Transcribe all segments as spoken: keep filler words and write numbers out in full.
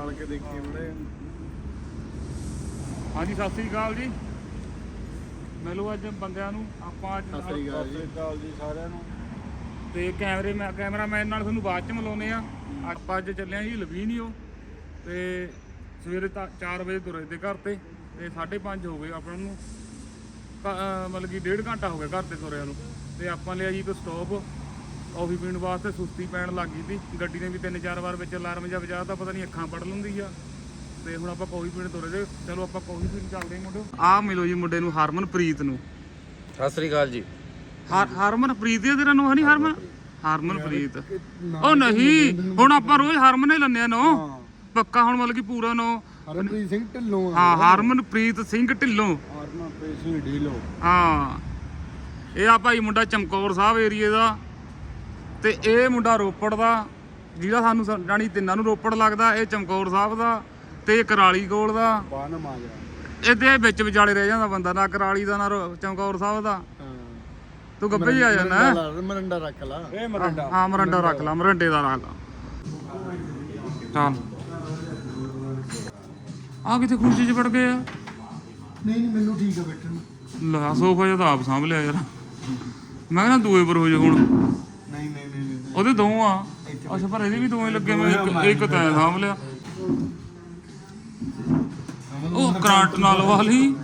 ਖਾਲ ਕੇ ਦੇਖੀ ਬੜੇ। ਹਾਂਜੀ ਸਤਿ ਸ੍ਰੀ ਅਕਾਲ ਜੀ। ਮਿਲੋ ਅੱਜ ਬੰਦਿਆਂ ਨੂੰ ਆਪਾਂ ਅੱਜ। ਸਤਿ ਸ੍ਰੀ ਅਕਾਲ ਜੀ ਸਾਰਿਆਂ ਨੂੰ। ਤੇ ਕੈਮਰੇ ਮੈਂ ਕੈਮਰਾਮੈਨ ਨਾਲ ਤੁਹਾਨੂੰ ਬਾਅਦ ਚ ਮਿਲਾਉਂਦੇ ਆ। ਆਪਾਂ ਅੱਜ ਚੱਲੇ ਆ ਜੀ ਲਵੀਨੀਓ ਤੇ ਸਵੇਰੇ ਤਾਂ ਚਾਰ ਵਜੇ ਤੁਰੇ ਤੇ ਘਰ ਤੇ ਤੇ ਸਾਢੇ ਪੰਜ ਹੋ ਗਏ ਆਪਾਂ ਨੂੰ, ਮਤਲਬ ਕਿ ਡੇਢ ਘੰਟਾ ਹੋ ਗਿਆ ਘਰ ਤੇ ਤੁਰਿਆਂ ਨੂੰ। ਤੇ ਆਪਾਂ ਲਿਆ ਜੀ ਇੱਕ ਸਟੋਪ ਕੌਫੀ ਪੀਣ ਵਾਸਤੇ। ਸੁਸਤੀ ਪੈਣ ਲੱਗ ਗਈ ਸੀ, ਗੱਡੀ ਨੇ ਵੀ ਤਿੰਨ ਚਾਰ ਵਾਰ ਵਿੱਚ ਅਲਾਰਮ ਜਿਹਾ ਵਜਾ ਤਾਂ ਪਤਾ ਨਹੀਂ ਅੱਖਾਂ ਪੜ ਲੈਂਦੀ ਆ। ਤੇ ਹੁਣ ਆਪਾਂ ਕੌਫੀ ਪੀਣ ਤੁਰੇ ਤੇ ਚਲੋ ਆਪਾਂ ਕੌਫੀ ਪੀਣ ਚੱਲਦੇ ਹਾਂ ਮੁੰਡੇ। ਆਹ ਮਿਲੋ ਜੀ ਮੁੰਡੇ ਨੂੰ, ਹਰਮਨਪ੍ਰੀਤ ਨੂੰ। ਸਤਿ ਸ੍ਰੀ ਅਕਾਲ ਜੀ। ਹਰ ਹਰਮਨਪ੍ਰੀਤ ਹੀ ਤੇਰਾ ਨਾਂ? ਨਹੀਂ ਹਰਮਨ ਹਰਮਨਪ੍ਰੀਤ ਉਹ ਨਹੀਂ, ਹੁਣ ਆਪਾਂ ਰੋਜ਼ ਹਰਮਨ ਹੀ ਲੈਂਦੇ ਆ ਨਾਂ ਪੱਕਾ। ਹੁਣ ਮਤਲਬ ਕਿ ਪੂਰਾ ਨਾਂ ਹਰਮਨਪ੍ਰੀਤ ਸਿੰਘ ਢਿੱਲੋਂ। ਹਾਂ ਹਰਮਨਪ੍ਰੀਤ ਸਿੰਘ ਢਿੱਲੋਂ। ਹਰਮਨਪ੍ਰੀਤ ਸਿੰਘ ਢਿੱਲੋਂ ਹਾਂ। ਇਹ ਆ ਭਾਈ ਮੁੰਡਾ ਚਮਕੌਰ ਸਾਹਿਬ ਏਰੀਏ ਦਾ ਤੇ ਇਹ ਮੁੰਡਾ ਰੋਪੜ ਦਾ, ਜਿਹਦਾ ਸਾਨੂੰ ਜਾਣੀ ਤਿੰਨਾਂ ਨੂੰ ਰੋਪੜ ਲੱਗਦਾ। ਇਹ ਚਮਕੌਰ ਸਾਹਿਬ ਦਾ ਤੇ ਇਹ ਕਰਾਲੀ ਕੋਲ ਦਾ। ਬਾਨਮ ਆ ਗਿਆ ਇਹਦੇ ਵਿੱਚ ਵਿਚਾਲੇ ਰਹਿ ਜਾਂਦਾ ਬੰਦਾ, ਨਾ ਕਰਾਲੀ ਦਾ ਨਾ ਚਮਕੌਰ ਸਾਹਿਬ ਦਾ। ਤੂੰ ਗੱਬੇ ਹੀ ਆ ਜਾਣਾ। ਮਰੰਡਾ ਰੱਖ ਲਾ। ਇਹ ਮਰੰਡਾ ਹਾਂ ਮਰੰਡਾ ਰੱਖ ਲਾ, ਮਰੰਡੇ ਦਾ ਰੱਖ ਲਾ। ਚੱਲ ਆ ਕਿਤੇ ਖੁਰਚੀ 'ਚ ਵੜ ਗਏ ਆ। ਨਹੀਂ ਨਹੀਂ ਮੈਨੂੰ ਠੀਕ ਆ ਬੈਠਣ ਨੂੰ। ਲਾ ਸੋਫਾ ਜਿਹਾ ਤਾਂ ਆਪ ਸਾਂਭ ਲਿਆ ਯਾਰ। ਮੈਂ ਕਹਿੰਦਾ ਦੂਏ ਪਰ ਹੋ ਜਾ ਹੁਣ। ਨਹੀਂ ਨਹੀਂ ਨਹੀਂ ਉਹਦੇ ਦੋ ਆ। ਅੱਛਾ ਪਰ ਇਹਦੇ ਵੀ ਦੋਵੇਂ ਲੱਗੇ। ਮੈਂ ਇੱਕ ਇੱਕ ਤਾਂ ਸਾਂਭ ਲਿਆ। ਉਹ ਕਰੰਟ ਨਾਲ ਵਾਲੀ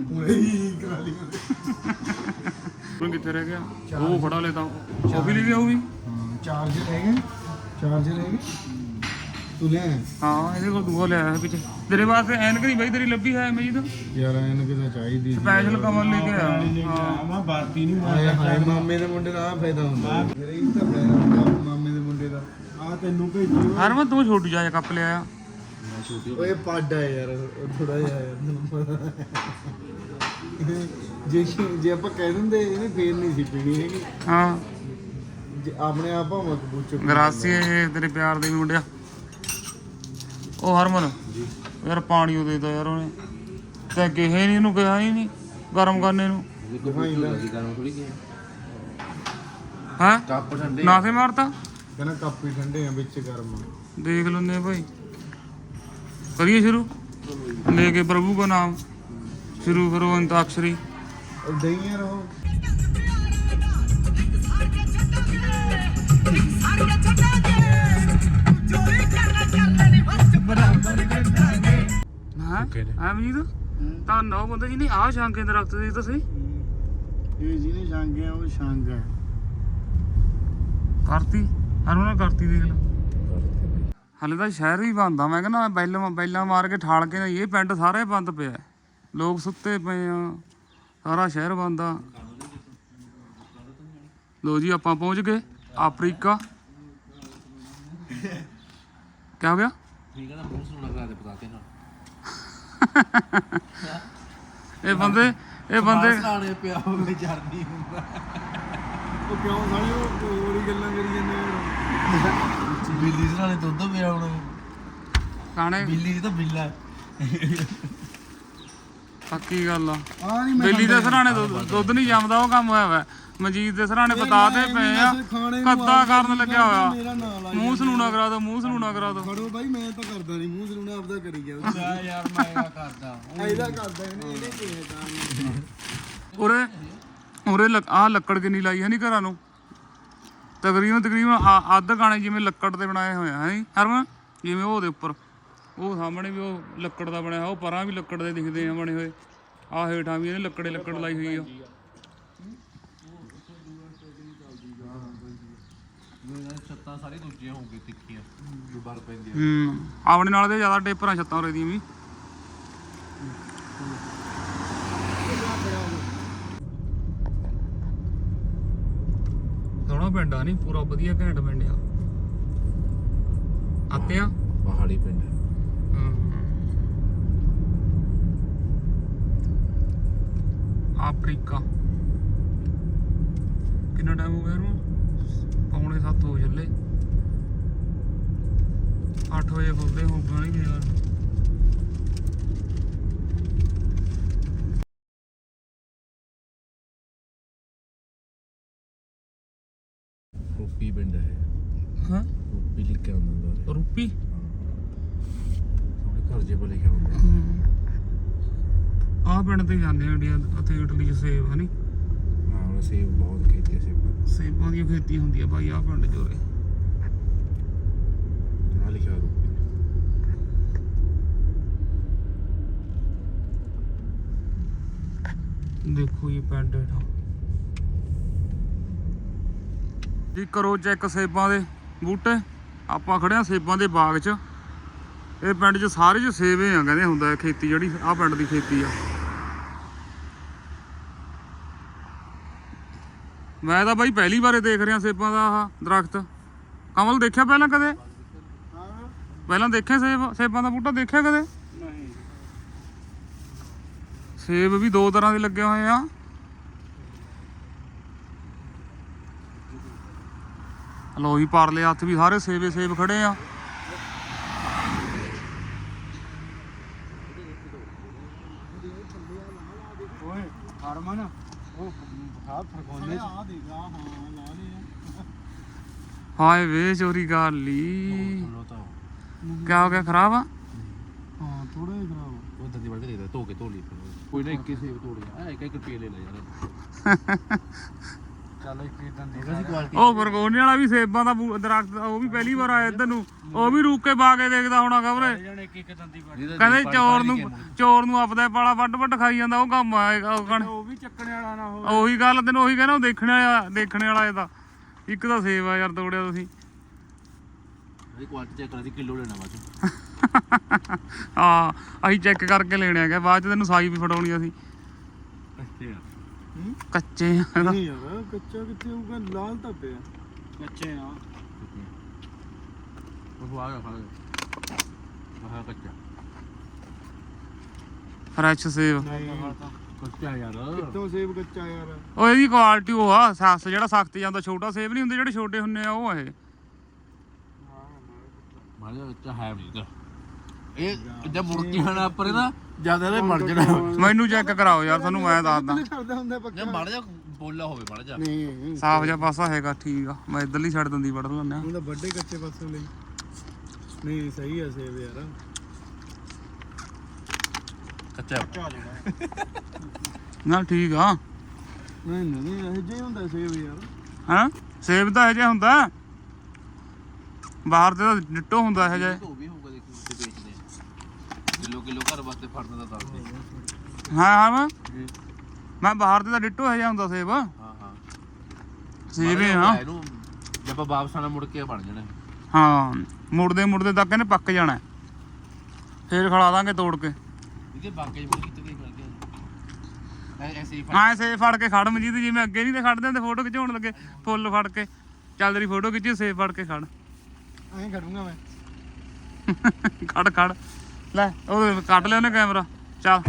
ਹੁਣ ਕਿੱਥੇ ਰਹਿ ਗਿਆ? ਉਹ ਫੜਾ ਲੈ ਤਾਂ ਉਹ ਵੀ ਲੈ ਗਿਆ। ਉਹ ਵੀ ਚਾਰਜਰ ਹੈਗੇ, ਚਾਰਜਰ ਹੈਗੇ ਤੂੰ ਲੈ। ਹਾਂ ਇਹਦੇ ਕੋਲ ਦੂਆ ਲਿਆ ਹੈ ਪਿੱਛੇ ਤੇਰੇ ਵਾਸਤੇ। ਐਨਕ ਨਹੀਂ ਬਾਈ ਤੇਰੀ ਲੱਭੀ ਹੈ ਮੇਰੀ ਤਾਂ ਯਾਰ ਐਨਕ ਤਾਂ ਚਾਹੀਦੀ ਸਪੈਸ਼ਲ ਕਮਰ ਲੈ ਕੇ ਆ। ਹਾਂ ਮੈਂ ਬਾਤੀ ਨਹੀਂ ਮਾਰਿਆ। ਹਾਏ ਮਾਮੇ ਦੇ ਮੁੰਡੇ ਦਾ ਆ ਫਾਇਦਾ ਹੁੰਦਾ। ਫਿਰ ਇਹ ਤਾਂ ਫਾਇਦਾ ਹੁੰਦਾ ਮਾਮੇ ਦੇ ਮੁੰਡੇ ਦਾ। ਆ ਤੈਨੂੰ ਭੇਜੀ ਹਰਮਨ ਤੂੰ ਛੋਟੀ ਜਿਹਾ ਕੱਪ ਲਿਆ। ਓਏ ਪੱਡ ਆ ਯਾਰ ਥੋੜਾ ਜਿਹਾ ਯਾਰ ਤੈਨੂੰ ਪਤਾ। ਜੇ ਜੇ ਆਪਾਂ ਕਹਿ ਦਿੰਦੇ ਇਹਨੇ ਫੇਰ ਨਹੀਂ ਸੀ ਪੀਣੀ ਹੈਗੀ। ਹਾਂ ਜੇ ਆਪਣੇ ਆਪ ਭਾਵੇਂ ਕਬੂਚੋ ਗਰਾਸੀ ਇਹ ਤੇਰੇ ਪਿਆਰ ਦੇ ਮੁੰਡਿਆ। ਉਹ ਹਰਮਨ ਯਾਰ ਪਾਣੀ ਉਹ ਦੇ ਤਾ ਯਾਰ ਉਹਨੇ ਤੇ ਕਿਹੇ ਨਹੀਂ ਇਹਨੂੰ ਕਿਹਾ ਹੀ ਨਹੀਂ ਗਰਮ ਕਰਨੇ ਨੂੰ। ਹੈਂ ਕੱਪ ਠੰਡੇ ਨਾ ਸੇ ਮਾਰਤਾ ਕਹਿੰਦਾ ਕੱਪ ਹੀ ਠੰਡੇ ਆ ਵਿੱਚ ਗਰਮ। ਦੇਖ ਲੈਂਦੇ ਆ ਭਾਈ। करिए शुरू लेके प्रभु का नाम शुरू करो अंताक्षरी। दही रहो हाँ अमजीत ਤਾਂ ਨੌ ਬੰਦੇ ਜੀ ਨੇ ਆਹ ਸ਼ਾਂਗੇ ਦਰਖਤ ਦੀ ਤੁਸੀਂ ਇਹ ਜਿਹਨੇ ਸ਼ਾਂਗੇ ਆ ਉਹ ਸ਼ਾਂਗ ਹੈ। ਕਰਤੀ ਹਰਮਨ ਕਰਤੀ ਦੇਖ ਲੈ। ਹਲੇ ਤਾਂ ਸ਼ਹਿਰ ਵੀ ਬੰਦ ਆ। ਮੈਂ ਕਹਿੰਦਾ ਬੈਲਾਂ ਬੈਲਾਂ ਮਾਰ ਕੇ ਠਾਲ ਕੇ ਇਹ ਪਿੰਡ ਸਾਰੇ ਬੰਦ ਪਿਆ। ਲੋਕ ਸੁੱਤੇ ਪਏ ਆ, ਸਾਰਾ ਸ਼ਹਿਰ ਬੰਦ ਆ। ਲੋ ਜੀ ਆਪਾਂ ਪਹੁੰਚ ਗਏ ਅਫਰੀਕਾ। ਕਿਆ ਹੋ ਗਿਆ? ਇਹ ਬੰਦੇ ਇਹ ਬੰਦੇ ਪਿਆ ਹੋਵੇ ਜਰਨੀ ਹੁੰਦਾ। ਉਹ ਕਿਉਂ ਸਾਲੇ ਉਹ ਹੋਰ ਹੀ ਗੱਲਾਂ ਕਰੀ ਜਾਂਦੇ ਆ। ਬਿੱਲੀ ਸਰਾਣੇ ਦੁੱਧ ਪਿਆ ਹੁਣ ਕਾਣੇ ਬਿੱਲੀ ਦੀ ਤਾਂ ਬਿੱਲਾ ਪੱਕੀ ਗੱਲ ਆ। ਬਿੱਲੀ ਦੇ ਸਰਾਣੇ ਦੁੱਧ ਨਹੀਂ ਜੰਮਦਾ, ਉਹ ਕੰਮ ਹੋਇਆ ਵਾ। ਮਨਜੀਤ ਦੇ ਸਰਾਣੇ ਬਤਾਤੇ ਪਏ ਆ, ਕੱਦਾ ਕਰਨ ਲੱਗਿਆ ਹੋਇਆ। ਮੂੰਹ ਸਲੂਣਾ ਕਰਾ ਦੋ, ਮੂੰਹ ਸਲੂਣਾ ਕਰਾ ਦੋ। ਫੜੋ ਬਾਈ ਮੈਂ ਤਾਂ ਕਰਦਾ ਨਹੀਂ ਮੂੰਹ ਸਲੂਣਾ, ਆਪਦਾ ਕਰੀ ਗਿਆ ਯਾਰ। ਮੈਂ ਕਰਦਾ ਇਹਦਾ ਕਰਦਾ ਇਹਨੇ ਇਹਨੇ ਕਿਹਾ ਤਾਂ ਉਰੇ ਉਰੇ ਆਹ ਲੱਕੜ ਕਿੰਨੀ ਲਾਈ ਹੈ ਨੀ ਘਰਾਂ ਨੂੰ। ਤਕਰੀਬਨ ਤਕਰੀਬਨ ਅੱਧ ਗਾਣੇ ਜਿਵੇਂ ਲੱਕੜ ਦੇ ਬਣਾਏ ਹੋਏ ਆ ਹੈ ਹਰਮਨ। ਜਿਵੇਂ ਉਹਦੇ ਉੱਪਰ ਉਹ ਸਾਹਮਣੇ ਵੀ ਉਹ ਲੱਕੜ ਦਾ ਬਣਿਆ, ਉਹ ਪਰਾਂ ਵੀ ਲੱਕੜ ਦੇ ਦਿਖਦੇ ਆ ਬਣੇ ਹੋਏ। ਆਹ ਹੇਠਾਂ ਵੀ ਇਹਨੇ ਲੱਕੜੇ ਲੱਕੜ ਲਾਈ ਹੋਈ ਆ। ਛੱਤਾਂ ਸਾਰੀ ਦੂਜੀਆਂ ਹੋ ਗਈ ਤਿੱਖੀਆਂ ਜੋ ਬਰ ਪੈਂਦੀਆਂ। ਹੂੰ ਆਪਣੇ ਨਾਲ ਦੇ ਜ਼ਿਆਦਾ ਟੇਪਰਾਂ ਛੱਤਾਂ ਉਰੇ ਦੀਆਂ ਵੀ। ਸੋਹਣਾ ਪਿੰਡ ਆ, ਨਹੀਂ ਪੂਰਾ ਵਧੀਆ ਘੈਂਟ ਪਿੰਡ ਆ। ਆਤੇ ਆ ਪਹਾੜੀ ਪਿੰਡ। ਅਫਰੀਕਾ ਕਿੰਨਾ ਟਾਈਮ ਹੋ ਗਿਆ ਇਹਨੂੰ? ਪੌਣੇ ਸੱਤ ਹੋ ਚੱਲੇ। ਅੱਠ ਵਜੇ ਖੁੱਲਦੇ ਹੋਊਗਾ ਨਹੀਂ ਯਾਰ। ਰੂਪੀ ਪਿੰਡ ਹੈ। ਹਾਂ ਰੂਪੀ ਲਿਖਿਆ ਹੁੰਦਾ। ਰੂਪੀ ਘਰ ਜੇ ਭਲੇ ਖਾਉਂਦੇ ਆਹ ਪਿੰਡ ਤੇ ਜਾਂਦੇ ਆ ਇੰਡੀਆ ਉੱਥੇ ਇਟਲੀ ਚ ਸੇਬ ਹਨੀ ਹਾਂ ਉਹ ਸੇਬ ਬਹੁਤ ਖੇਤੀ ਸੇਬ ਸੇਬਾਂ ਦੀ ਖੇਤੀ ਹੁੰਦੀ ਆ ਬਾਈ ਆਹ ਪਿੰਡ ਚੋਰੇ ਆ ਲਿਖਿਆ ਰੂਪੀ ਦੇਖੋ ਜੀ ਪਿੰਡ ਇਹਦਾ ਜੀ ਕਰੋ ਚੈੱਕ ਸੇਬਾਂ ਦੇ ਬੂਟੇ ਆਪਾਂ ਖੜੇ ਆ ਸੇਬਾਂ ਦੇ ਬਾਗ 'ਚ ਇਹ ਪਿੰਡ 'ਚ ਸਾਰੇ 'ਚ ਸੇਬ ਹੀ ਆ ਕਹਿੰਦੇ ਹੁੰਦਾ ਖੇਤੀ ਜਿਹੜੀ ਆਹ ਪਿੰਡ ਦੀ ਖੇਤੀ ਆ ਮੈਂ ਤਾਂ ਬਾਈ ਪਹਿਲੀ ਵਾਰੇ ਦੇਖ ਰਿਹਾ ਸੇਬਾਂ ਦਾ ਆਹ ਦਰਖਤ ਕਮਲ ਦੇਖਿਆ ਪਹਿਲਾਂ ਕਦੇ ਪਹਿਲਾਂ ਦੇਖਿਆ ਸੇਬ ਸੇਬਾਂ ਦਾ ਬੂਟਾ ਦੇਖਿਆ ਕਦੇ ਨਹੀਂ ਸੇਬ ਵੀ ਦੋ ਤਰ੍ਹਾਂ ਦੇ ਲੱਗੇ ਹੋਏ ਆ ਲੋ ਜੀ ਪਰਲੇ ਹੱਥ ਵੀ ਸਾਰੇ ਸੇਬੇ ਸੇਬ ਖੜੇ ਆ ਓਏ ਹਰਮਨ ਉਹ ਹਾਥ ਫਰਕੋਨੇ ਆ ਦੇਗਾ ਹਾਂ ਲਾ ਲਿਆ ਹਾਏ ਵੇ ਚੋਰੀ ਕਰ ਲਈ ਲੋਤਾ ਕਿਆ ਹੋ ਗਿਆ ਖਰਾਬ ਆ ਹਾਂ ਥੋੜਾ ਜਿਹਾ ਖਰਾਬ ਉਹ ਦੰਦੀ ਵੜ ਕੇ ਦੇਖਦਾ ਧੋ ਕੇ ਧੋ ਲਈ ਕੋਈ ਨਾ ਇੱਕੇ ਸੇਬ ਤੋੜ ਗਿਆ ਆ ਇੱਕ ਇੱਕ ਰੁਪਏ ਲੈ ਲੈ ਯਾਰ ਚੱਲ ਇੱਕ ਇਦਾਂ ਦੇ ਇਹਦਾ ਸੀ ਕੁਆਲਿਟੀ ਉਹ ਬਰਗੋਨੇ ਵਾਲਾ ਵੀ ਸੇਬਾਂ ਦਾ ਬੂ- ਦਰਖਤ ਉਹ ਵੀ ਪਹਿਲੀ ਵਾਰ ਆਇਆ ਇੱਧਰ ਨੂੰ ਉਹ ਵੀ ਰੁਕ ਕੇ ਪਾ ਕੇ ਦੇਖਦਾ ਹੋਣਾ ਖਬਰੇ ਜਣੇ ਇੱਕ ਇੱਕ ਦੰਦੀ ਪਾ ਕਹਿੰਦੇ ਚੋਰ ਨੂੰ ਚੋਰ ਨੂੰ ਆਪਦਾ ਪਾਲਾ ਵੱਡ ਵੱਡ ਖਾਈ ਜਾਂਦਾ ਉਹ ਕੰਮ ਆਏਗਾ ਉਹ ਕਣ ਉਹ ਵੀ ਚੱਕਣੇ ਵਾਲਾ ਨਾ ਹੋ ਉਹੀ ਗੱਲ ਤੈਨੂੰ ਉਹੀ ਕਹਿੰਦਾ ਉਹ ਦੇਖਣ ਵਾਲਾ ਦੇਖਣ ਵਾਲਾ ਇਹਦਾ ਇੱਕ ਤਾਂ ਸੇਬ ਆ ਯਾਰ ਤੋੜਿਆ ਤੁਸੀਂ ਇਹਦੀ ਕੁਆਲਿਟੀ ਚੈੱਕ ਕਰਾ ਸੀ ਕਿਲੋ ਲੈਣਾ ਬਾਅਦ ਹਾਂ ਅਸੀਂ ਚੈੱਕ ਕਰਕੇ ਲੈਣੇ ਹੈਗੇ ਬਾਅਦ ਚ ਤੈਨੂੰ ਸਾਈ ਵੀ ਫੜਾਉਣੀ ਅਸੀਂ ਅੱਛਾ ਕੱਚੇ ਆ ਇਹਦਾ ਨਹੀਂ ਯਾਰ ਕੱਚਾ ਕਿੱਥੇ ਹੋਊਗਾ ਲਾਲ ਤਾਂ ਪਿਆ ਕੱਚੇ ਆ ਉਹ ਆ ਗਿਆ ਖਾ ਗਿਆ ਆਹ ਕੱਚਾ ਫਰੈਸ਼ ਸੇਬ ਕੱਚਾ ਯਾਰ ਕਿੱਥੋਂ ਸੇਬ ਕੱਚਾ ਯਾਰ ਉਹ ਇਹਦੀ ਕੁਆਲਿਟੀ ਉਹ ਆ ਸੱਸ ਜਿਹੜਾ ਸਖਤ ਜਾਂਦਾ ਛੋਟਾ ਸੇਬ ਨਹੀਂ ਹੁੰਦੇ ਜਿਹੜੇ ਛੋਟੇ ਹੁੰਦੇ ਆ ਉਹ ਆ ਇਹ ਮਾਰਿਆ ਕੱਚਾ ਹੈ ਨਹੀਂ ਤਾਂ ਇਹ ਜਦ ਮੁਰਕੀ ਖਾਣਾ ਪਰ ਇਹਦਾ ਜਿਆਦਾ ਇਹਦੇ ਮਰ ਜਾਣਾ ਮੈਨੂੰ ਚੈੱਕ ਕਰਾਓ ਯਾਰ ਤੁਹਾਨੂੰ ਮੈਂ ਦੱਸਦਾ ਕਰਦਾ ਹੁੰਦਾ ਪੱਕਾ ਜੇ ਮੜ ਜਾ ਬੋਲਾ ਹੋਵੇ ਮੜ ਜਾ ਨਹੀਂ ਸਾਫ ਜਿਹਾ ਪਾਸਾ ਹੈਗਾ ਠੀਕ ਆ ਮੈਂ ਇੱਧਰਲੀ ਛੱਡ ਦਿੰਦੀ ਵੜ ਲੈਂਦੇ ਆ ਉਹਦਾ ਵੱਡੇ ਕੱਚੇ ਪਾਸੋਂ ਲਈ ਨਹੀਂ ਸਹੀ ਆ ਸੇਬ ਯਾਰ ਕੱਚਾ ਨਾ ਠੀਕ ਆ ਨਹੀਂ ਨਹੀਂ ਇਹ ਜੇ ਹੁੰਦਾ ਸੇਬ ਯਾਰ ਹਾਂ ਸੇਬ ਤਾਂ ਇਹ ਜਿਹਾ ਹੁੰਦਾ ਬਾਹਰ ਤੇ ਤਾਂ ਡਿੱਟੋ ਹੁੰਦਾ ਇਹ ਜਿਹਾ ਉਹ ਵੀ ਹੋਊਗਾ ਦੇਖੀ ਉੱਤੇ ਵੇਚਦੇ ਕਿਲੋ ਕਿਲੋ ਘਰ ਵਾਸਤੇ ਫੜਨ ਦਾ ਦੱਸਦੇ ਹਾਂ ਹਾਂ ਮੈਂ ਮੈਂ ਬਾਹਰ ਤੇ ਤਾਂ ਡਿੱਟੋ ਇਹ ਜਿਹਾ ਹੁੰਦਾ ਸੇਬ ਹਾਂ ਹਾਂ ਸੇਬ ਹੀ ਆ ਇਹਨੂੰ ਜੇ ਆਪਾਂ ਵਾਪਸ ਆਣਾ ਮੁੜ ਕੇ ਬਣ ਜਾਣਾ ਹਾਂ ਮੁੜਦੇ ਮੁੜਦੇ ਤੱਕ ਇਹਨੇ ਪੱਕ ਜਾਣਾ ਫੇਰ ਖਿਲਾ ਦਾਂਗੇ ਤੋੜ ਕੇ ਇਹਦੇ ਬਾਗੇ ਮੁੜ ਕਿਤੇ ਗਈ ਮਿਲ ਗਿਆ ਐ ਐਸੇ ਹੀ ਹਾਂ ਸੇਬ ਫੜ ਕੇ ਖੜ ਮਜੀਦ ਜਿਵੇਂ ਅੱਗੇ ਨਹੀਂ ਤੇ ਖੜਦੇ ਹੁੰਦੇ ਫੋਟੋ ਖਿਚਾਉਣ ਲੱਗੇ ਫੁੱਲ ਫੜ ਕੇ ਚੱਲ ਤੇਰੀ ਫੋਟੋ ਖਿੱਚੀ ਸੇਬ ਫੜ ਕੇ ਖੜ ਐਂ ਖੜੂੰਗਾ ਮੈਂ ਖੜ ਖੜ ਲੈ ਉਹ ਕੱਢ ਲਿਆ ਉਹਨੇ ਕੈਮਰਾ ਚੱਲ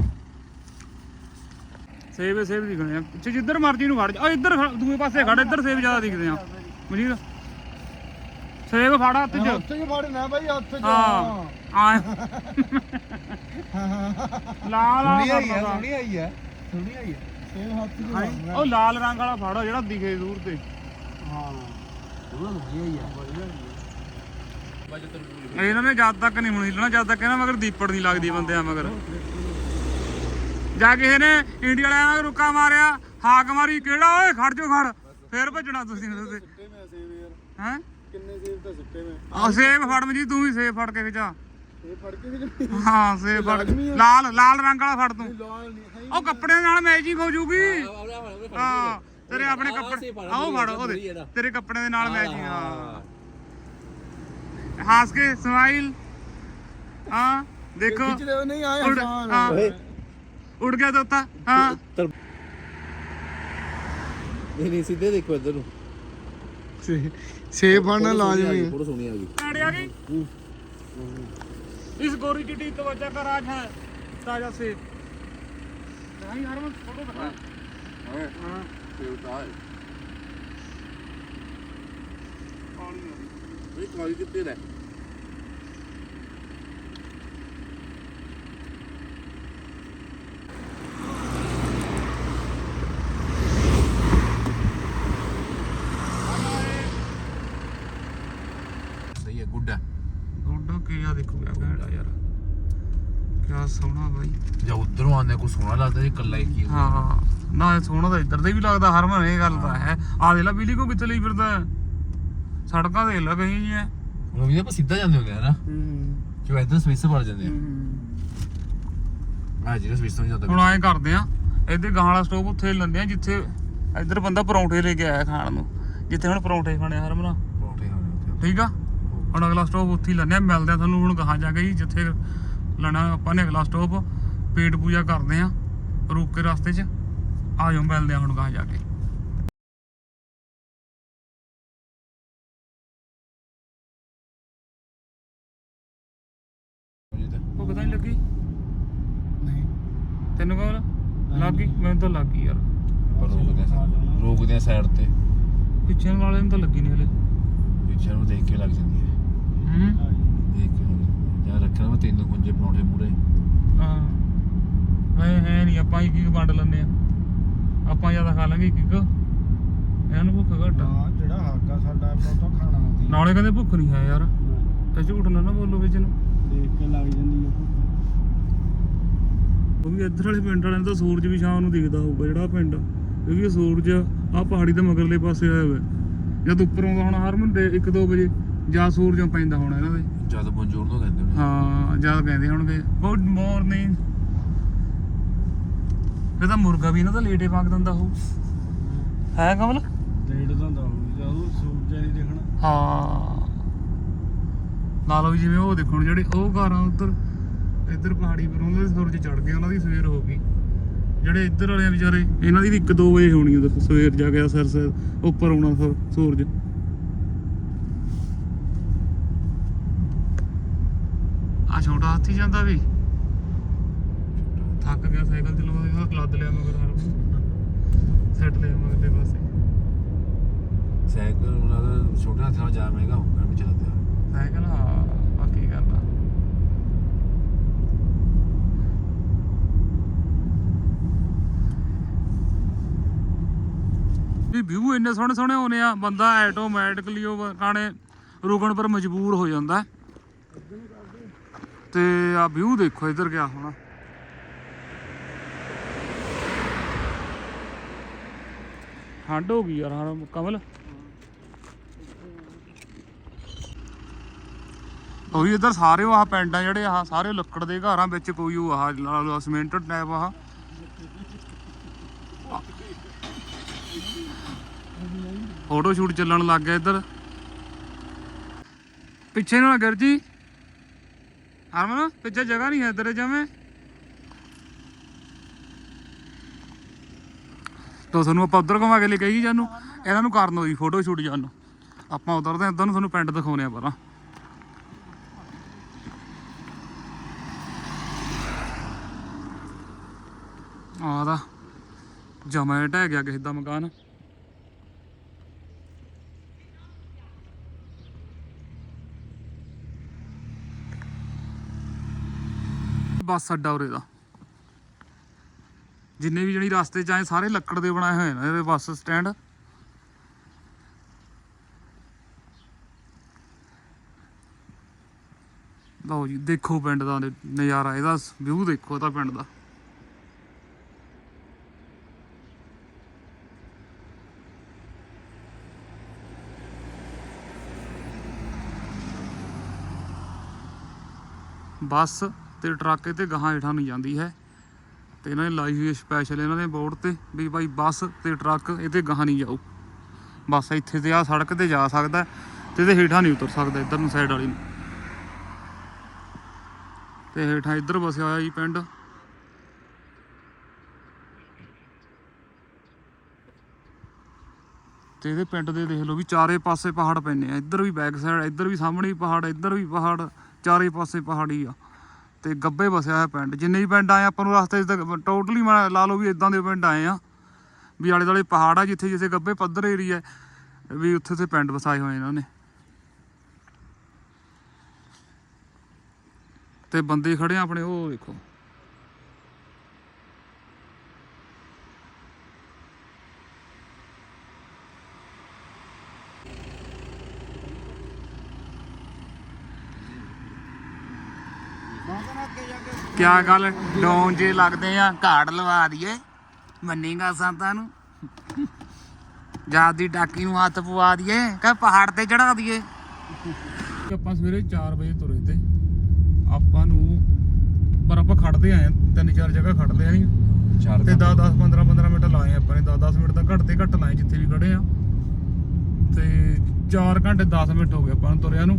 ਸੇਬ ਸੇਬ ਦਿਖਣੇ ਆ ਪਿੱਛੇ ਜਿੱਧਰ ਮਰਜੀ ਨੂੰ ਖੜ ਜਾ ਆ ਇੱਧਰ ਖੜ- ਦੂਏ ਪਾਸੇ ਖੜ ਇੱਧਰ ਸੇਬ ਜ਼ਿਆਦਾ ਦਿਖਦੇ ਆ ਮਜੀਦ ਸੇਬ ਫੜ ਹੱਥ 'ਚ ਉੱਥੇ ਹੀ ਫੜਨਾ ਬਾਈ ਹੱਥ 'ਚ ਹਾਂ ਆ ਲਾਲ ਵਾਲਾ ਆਈ ਫੜ ਹੈ ਲਾ। ਸੋਹਣੀ ਆਈ ਹੈ ਸੋਹਣੀ ਆਈ ਹੈ ਸੇਬ ਹੱਥ 'ਚ ਫੜਨਾ ਉਹ ਲਾਲ ਰੰਗ ਵਾਲਾ ਫੜ ਜਿਹੜਾ ਦਿਖੇ ਦੂਰ ਤੇ ਹਾਂ ਉਹਦਾ ਵਧੀਆ ਹੀ ਆ ਵਧੀਆ ਬਾਜੇ ਤਰਬੂਜ ਇਹਨਾਂ ਨੇ ਜਦ ਤੱਕ ਨਹੀਂ ਮੁਣੀ ਲੈਣਾ ਜਦ ਤੱਕ ਇਹਨਾਂ ਮਗਰ ਦੀਪੜ ਨਹੀਂ ਲੱਗਦੀ ਬੰਦਿਆਂ ਮਗਰ ਜਾ ਕਿਸੇ ਨੇ ਇੰਡੀਆ ਵਾਲਿਆਂ ਨੂੰ ਰੁੱਕਾ ਮਾਰਿਆ ਹਾਕ ਮਾਰੀ ਕਿਹੜਾ ਓਏ ਖੜ ਜੋ ਖੜ ਫੇਰ ਭੱਜਣਾ ਤੁਸੀਂ ਉਹਦੇ ਸਿੱਟੇ ਮੈਂ ਸੇਬ ਯਾਰ ਹੈ ਕਿੰਨੇ ਸੇਬ ਤਾਂ ਸਿੱਟੇ ਮੈਂ ਆ ਸੇਬ ਫੜ ਮਜੀ ਤੂੰ ਵੀ ਸੇਬ ਫੜ ਕੇ ਖਿਚਾ ਇਹ ਫੜ ਕੇ ਵੀ ਹਾਂ ਸੇਬ ਫੜ ਲਾਲ ਲਾਲ ਰੰਗ ਵਾਲਾ ਫੜ ਤੂੰ ਲਾਲ ਨਹੀਂ ਹੈ ਉਹ ਕੱਪੜਿਆਂ ਨਾਲ ਮੈਚਿੰਗ ਹੋ ਜੂਗੀ ਹਾਂ ਤੇਰੇ ਆਪਣੇ ਕੱਪੜੇ ਆਓ ਫੜ ਉਹਦੇ ਤੇਰੇ ਕੱਪੜਿਆਂ ਦੇ ਨਾਲ ਮੈਚਿੰਗ ਹਾਂ ਹੱਸ ਕੇ ਸਮਾਈਲ ਹਾਂ ਦੇਖੋ ਖਿੱਚ ਲਿਓ ਨਹੀਂ ਆਏ ਉੜ ਆਸਾਨ ਹਾਂ ਉੜ ਗਿਆ ਤੋਤਾ ਹਾਂ ਨਹੀਂ ਨਹੀਂ ਸਿੱਧੇ ਦੇਖੋ ਇੱਧਰ ਨੂੰ ਸੇਬ ਫੜਨਾ ਲਾਜ਼ਮੀ ਫੋਟੋ ਸੋਹਣੀ ਆ ਗਈ गाड़ी आ गई इस गोरी चिट्टी त्वचा का राज है ताजा सेब नहीं यार मैं फोटो दिखा ਹਾਂ ਹਾਂ ਤੇ ਉਤਾਰ ਇਹ ਕਾਲੀ ਕਿੱਥੇ ਲੈ ਸਹੀ ਹੈ ਗੁੱਡ ਹੈ गुड के या देखो क्या कहड़ा यार ਸੋਹਣਾ ਬਾਈ। ਜਾਂ ਉਧਰੋਂ ਆਉਂਦੇ ਕੋਈ ਸੋਹਣਾ ਲੱਗਦਾ, ਇਹ ਕੱਲਾ ਇੱਕ ਹੀ ਹਾਂ ਨਾ ਇਹ ਸੋਹਣਾ ਤਾਂ ਇੱਧਰ ਦੇ ਵੀ ਲੱਗਦਾ ਹਰਮਨ, ਇਹ ਗੱਲ ਤਾਂ ਹੈ। ਆ ਦੇ ਲਾ ਬਿਜਲੀ ਕੋ ਕਿੱਥੇ ਲਈ ਫਿਰਦਾ, ਸੜਕਾਂ ਦੇਖ ਲਾ ਕਹੀਂ ਜੀ। ਹੁਣ ਵੀ ਆਪਾਂ ਸਿੱਧਾ ਜਾਂਦੇ ਹੁੰਦੇ ਆ ਨਾ, ਜੋ ਇੱਧਰ ਸਵਿਸ ਵੜ ਜਾਂਦੇ ਆ। ਮੈਂ ਜਿਹੜਾ ਸਵਿਸ ਤੋਂ ਜਾਂਦਾ ਹੁਣ ਐਂ ਕਰਦੇ ਆ, ਇੱਧਰ ਗਾਂ ਵਾਲਾ ਸਟੋਪ ਉੱਥੇ ਲੈਂਦੇ ਆ ਜਿੱਥੇ ਇੱਧਰ ਬੰਦਾ ਪਰੌਂਠੇ ਲੈ ਕੇ ਆਇਆ ਖਾਣ ਨੂੰ, ਜਿੱਥੇ ਹੁਣ ਪਰੌਂਠੇ ਖਾਣੇ ਆ ਹਰਮਨ। ਪਰੌਂਠੇ ਖਾਣੇ ਉੱਥੇ। ਠੀਕ ਆ, ਹੁਣ ਅਗਲਾ ਸਟੋਪ ਉੱਥੇ ਹੀ ਲੈਂਦੇ ਆ। ਮਿਲਦੇ ਆ ਤੁਹਾਨੂੰ ਹੁਣ ਗਾਹਾਂ ਜਾ ਕੇ ਜੀ, ਜਿੱਥੇ ਲੈਣਾ ਆਪਾਂ ਨੇ ਅਗਲਾ ਸਟੋਪ। ਪੇਟ ਪੂਜਾ ਕਰਦੇ ਆ ਰੁਕ ਕੇ ਰਸਤੇ 'ਚ, ਆ ਜਾਓ ਮਿਲਦੇ ਆ ਹੁਣ ਗਾਹਾਂ ਜਾ ਕੇ। ਉਹ ਪਤਾ ਨਹੀਂ ਲੱਗੀ ਨਹੀਂ ਤੈਨੂੰ ਕੋਲ ਲੱਗ ਗਈ? ਮੈਨੂੰ ਤਾਂ ਲੱਗ ਗਈ ਯਾਰ। ਪਰ ਰੋਕਦੇ ਆ ਰੋਕਦੇ ਆ ਸਾਈਡ ਤੇ, ਪਿੱਛੇ ਵਾਲੇ ਨੂੰ ਤਾਂ ਲੱਗੀ ਨਹੀਂ ਹਲੇ। ਪਿੱਛੇ ਨੂੰ ਦੇਖ ਕੇ ਲੱਗ ਜਾਂਦੀ ਹੈ। ਹੂੰ ਦੇਖ ਕੇ ਲੱਗ ਜਾਂਦੀ ਹੈ। ਜਾਂ ਰੱਖਣਾ ਮੈਂ ਤਿੰਨ ਖੁੰਝੇ ਪਰੌਂਠੇ ਮੂਰੇ। ਹਾਂ ਮੈਂ ਹੈ ਨਹੀਂ, ਆਪਾਂ ਇੱਕ ਇੱਕ ਵੰਡ ਲੈਂਦੇ ਆ। ਆਪਾਂ ਜ਼ਿਆਦਾ ਖਾ ਲਾਂਗੇ ਇੱਕ ਇੱਕ, ਇਹਨਾਂ ਨੂੰ ਭੁੱਖ ਘੱਟ ਆ। ਹਾਂ ਜਿਹੜਾ ਹੱਕ ਆ ਸਾਡਾ ਆਪਾਂ ਤਾਂ ਖਾਣਾ ਹੁੰਦੀ ਨਾਲੇ ਕਹਿੰਦੇ ਭੁੱਖ ਨਹੀਂ ਹੈ ਯਾਰ, ਤੇ ਝੂਠ ਨਾ ਨਾ ਬੋਲੋ ਵਿੱਚ ਨੂੰ। ਦੇਖ ਕੇ ਲੱਗ ਜਾਂਦੀ ਆ ਭੁੱਖ। ਉਹ ਵੀ ਇੱਧਰ ਵਾਲੇ ਪਿੰਡ ਵਾਲਿਆਂ ਨੂੰ ਤਾਂ ਸੂਰਜ ਵੀ ਸ਼ਾਮ ਨੂੰ ਦਿਖਦਾ ਹੋਊਗਾ ਜਿਹੜਾ ਪਿੰਡ, ਕਿਉਂਕਿ ਇਹ ਸੂਰਜ ਆਹ ਪਹਾੜੀ ਦੇ ਮਗਰਲੇ ਪਾਸੇ ਆਇਆ ਹੋਇਆ। ਜਦ ਉੱਪਰ ਆਉਂਦਾ ਹੋਣਾ ਹਰਮਨ ਦੇ ਇੱਕ ਦੋ ਵਜੇ, ਜਾਂ ਸੂਰਜੋਂ ਪੈਂਦਾ ਹੋਣਾ ਇਹਨਾਂ ਦੇ। ਜਦ ਬੋਂਜੋਰ ਨੂੰ ਕਹਿੰਦੇ ਨੇ। ਹਾਂ ਜਦ ਕਹਿੰਦੇ ਹੋਣਗੇ ਗੁੱਡ ਮਾਰਨਿੰਗ। ਇਹ ਤਾਂ ਮੁਰਗਾ ਵੀ ਇਹਨਾਂ ਦਾ ਲੇਟੇ ਪਾਕ ਦਿੰਦਾ ਹੋਊ, ਹੈ ਕਮਲ? ਡੇਢ ਦਾ ਹੁੰਦਾ ਹੋਊ ਜਦੋਂ ਸੂਰਜ ਨਹੀਂ ਦਿਖਣਾ। ਹਾਂ ਲਾ ਲਓ ਵੀ ਜਿਵੇਂ ਉਹ ਦੇਖੋ ਜਿਹੜੇ ਉਹ ਘਰ ਆ ਉੱਧਰ, ਇੱਧਰ ਪਹਾੜੀ ਪਰ ਉਹਨਾਂ ਦੇ ਸੂਰਜ ਚੜ ਗਏ, ਉਹਨਾਂ ਦੀ ਸਵੇਰ ਹੋ ਗਈ। ਜਿਹੜੇ ਇੱਧਰ ਵਾਲੇ ਆ ਵਿਚਾਰੇ, ਇਹਨਾਂ ਦੀ ਵੀ ਇੱਕ ਦੋ ਵਜੇ ਹੋਣੀ ਉਧਰ ਸਵੇਰ ਜਾ ਕੇ ਸਿਰ ਸਿਰ ਉੱਪਰ ਆਉਣਾ ਸੂ- ਸੂਰਜ। ਆ ਛੋਟਾ ਹਾਥੀ ਜਾਂਦਾ ਵੀ ਥੱਕ ਗਿਆ, ਸਾਈਕਲ ਚਲਾਉਂਦਾ ਲੱਦ ਲਿਆ ਮਗਰ ਹਰ ਸੈੱਟ ਲਿਆ ਮਗਰਲੇ ਪਾਸੇ। ਸਾਈਕਲ ਉਹਨਾਂ ਦਾ ਛੋਟੇ ਹੱਥ ਨਾਲ ਜਾ ਮਹਿੰਗਾ ਹੋਊਗਾ ਵੀ ਚੱਲਦੇ ਆ ਸਾਈਕਲ। ਹਾਂ ਬਾਕੀ ਗੱਲ ਆ ਵੀ ਵਿਊ ਇੰਨੇ ਸੋਹਣੇ ਸੋਹਣੇ ਹੋਣੇ ਆ, ਬੰਦਾ ਆਟੋਮੈਟਿਕਲੀ ਉਹ ਕਾਣੇ ਰੁਕਣ ਪਰ ਮਜਬੂਰ ਹੋ ਜਾਂਦਾ। ਤੇ ਆ ਵਿਊ ਦੇਖੋ ਇੱਧਰ ਗਿਆ ਹੁਣ, ਠੰਡ ਹੋ ਗਈ ਯਾਰ ਹਾਂ ਕਮਲ। ਉਹ ਵੀ ਇੱਧਰ ਸਾਰੇ ਆਹ ਪਿੰਡ ਆ ਜਿਹੜੇ ਆਹ ਸਾਰੇ ਲੱਕੜ ਦੇ ਘਰਾਂ ਵਿੱਚ, ਕੋਈ ਉਹ ਆਹ ਲਾ ਲਓ ਸੀਮੈਂਟਡ ਟਾਈਪ ਆਹ ਫੋਟੋ ਸ਼ੂਟ ਚੱਲਣ ਲੱਗ ਗਿਆ ਇੱਧਰ। ਪਿੱਛੇ ਨਾਲ ਗਿਰ ਜੀ ਹਰਮਨ, ਪਿੱਛੇ ਜਗ੍ਹਾ ਨਹੀਂ ਹੈ ਇੱਧਰ ਜਿਵੇਂ। ਤਾਂ ਤੁਹਾਨੂੰ ਆਪਾਂ ਉੱਧਰ ਘੁਮਾ ਕੇ ਲੈ ਕੇ ਗਈ ਜਾਨੂੰ, ਇਹਨਾਂ ਨੂੰ ਕਰਨ ਹੋਈ ਫੋਟੋ ਸ਼ੂਟ ਜਾਨੂੰ। ਆਪਾਂ ਉਧਰ ਦੇ ਇੱਧਰ ਨੂੰ ਤੁਹਾਨੂੰ ਪਿੰਡ ਦਿਖਾਉਣੇ ਆ ਪਹਿਲਾਂ। ਆਹ ਦਾ ਜਮਾ ਢਹਿ ਗਿਆ ਕਿਸੇ ਦਾ ਮਕਾਨ। ਬੱਸ ਅੱਡਾ ਉਰੇ ਦਾ, ਜਿੰਨੇ ਵੀ ਜਿਹੜੀ ਰਸਤੇ ਚ ਆਏ ਸਾਰੇ ਲੱਕੜ ਦੇ ਬਣਾਏ ਹੋਏ ਨੇ ਇਹਦੇ ਬੱਸ ਸਟੈਂਡ। ਲਓ ਜੀ ਦੇਖੋ ਪਿੰਡ ਦਾ ਨਜ਼ਾਰਾ, ਇਹਦਾ ਵਿਊ ਦੇਖੋ ਇਹਦਾ ਪਿੰਡ ਦਾ। ਬੱਸ ਤੇ ਟਰੱਕ ਤੇ ਗਾਹਾਂ ਹੇਠਾਂ ਨੂੰ ਜਾਂਦੀ ਹੈ, ਤੇ ਇਹਨਾਂ ਨੇ ਲਾਈ ਹੋਈ ਸਪੈਸ਼ਲ ਇਹਨਾਂ ਦੇ ਬੋਰਡ ਤੇ ਵੀ ਭਾਈ ਬੱਸ ਤੇ ਟਰੱਕ ਇਹਦੇ ਗਾਹਾਂ ਨਹੀਂ ਜਾਊ। ਬਸ ਇੱਥੇ ਤੇ ਆ ਸੜਕ ਤੇ ਜਾ ਸਕਦਾ ਤੇ ਇਹਦੇ ਹੇਠਾਂ ਨਹੀਂ ਉਤਰ ਸਕਦਾ ਇੱਧਰ ਨੂੰ ਸਾਈਡ ਵਾਲੀ ਨੂੰ। ਤੇ ਹੇਠਾਂ ਇੱਧਰ ਵਸਿਆ ਹੋਇਆ ਜੀ ਪਿੰਡ। ਤੇ ਇਹਦੇ ਪਿੰਡ ਦੇ ਦੇਖ ਲਓ ਵੀ ਚਾਰੇ ਪਾਸੇ ਪਹਾੜ ਪੈਂਦੇ ਆ, ਇੱਧਰ ਵੀ ਬੈਕ ਸਾਈਡ, ਇੱਧਰ ਵੀ ਸਾਹਮਣੇ ਵੀ ਪਹਾੜ, ਇੱਧਰ ਵੀ ਪਹਾੜ, ਚਾਰੇ ਪਾਸੇ ਪਹਾੜੀ ਆ। ਤੇ ਗੱਬੇ ਵਸਿਆ ਹੋਇਆ ਪਿੰਡ। ਜਿੰਨੇ ਵੀ ਪਿੰਡ ਆਏ ਆਪਾਂ ਨੂੰ ਰਸਤੇ 'ਚ ਟੋਟਲੀ ਮੈਂ ਲਾ ਲਓ ਵੀ ਇਦਾਂ ਦੇ ਪਿੰਡ ਆਏ ਆ ਵੀ ਆਲੇ ਦੁਆਲੇ ਪਹਾੜ ਆ, ਜਿੱਥੇ ਜਿੱਥੇ ਗੱਬੇ ਪੱਧਰ ਏਰੀਆ ਵੀ ਉੱਥੇ ਤੇ ਪਿੰਡ ਵਸਾਏ ਹੋਏ ਇਹਨਾਂ ਨੇ। ਤੇ ਬੰਦੇ ਖੜੇ ਆ ਆਪਣੇ, ਉਹ ਦੇਖੋ ਕਿਆ ਗੱਲ ਡੌਨ ਜੇ ਲੱਗਦੇ ਆ ਘਾੜ ਲਵਾ ਦਈਏ ਮੰਨੇਗਾ ਸੰਤਾਂ ਨੂੰ ਜਾਤ ਦੀ ਟਾਕੀ ਨੂੰ ਹੱਥ ਪਵਾ ਦਈਏ ਕਿ ਪਹਾੜ ਤੇ ਚੜਾ ਦਈਏ। ਆਪਾਂ ਸਵੇਰੇ ਚਾਰ ਵਜੇ ਤੁਰੇ ਤੇ ਆਪਾਂ ਨੂੰ ਪਰ ਆਪਾਂ ਖੜਦੇ ਆਏ ਤਿੰਨ ਚਾਰ ਜਗ੍ਹਾ ਖੜ ਲਿਆ ਸੀ ਚਾਰ ਤੇ ਦਸ ਦਸ ਪੰਦਰਾਂ ਪੰਦਰਾਂ ਮਿੰਟ ਲਾਏ ਆਪਾਂ ਨੇ ਦਸ ਦਸ ਮਿੰਟ ਤਾਂ ਘੱਟ ਤੇ ਘੱਟ ਲਾਏ ਜਿੱਥੇ ਵੀ ਖੜੇ ਆ ਤੇ ਚਾਰ ਘੰਟੇ ਦਸ ਮਿੰਟ ਹੋ ਗਏ ਆਪਾਂ ਨੂੰ ਤੁਰਿਆ ਨੂੰ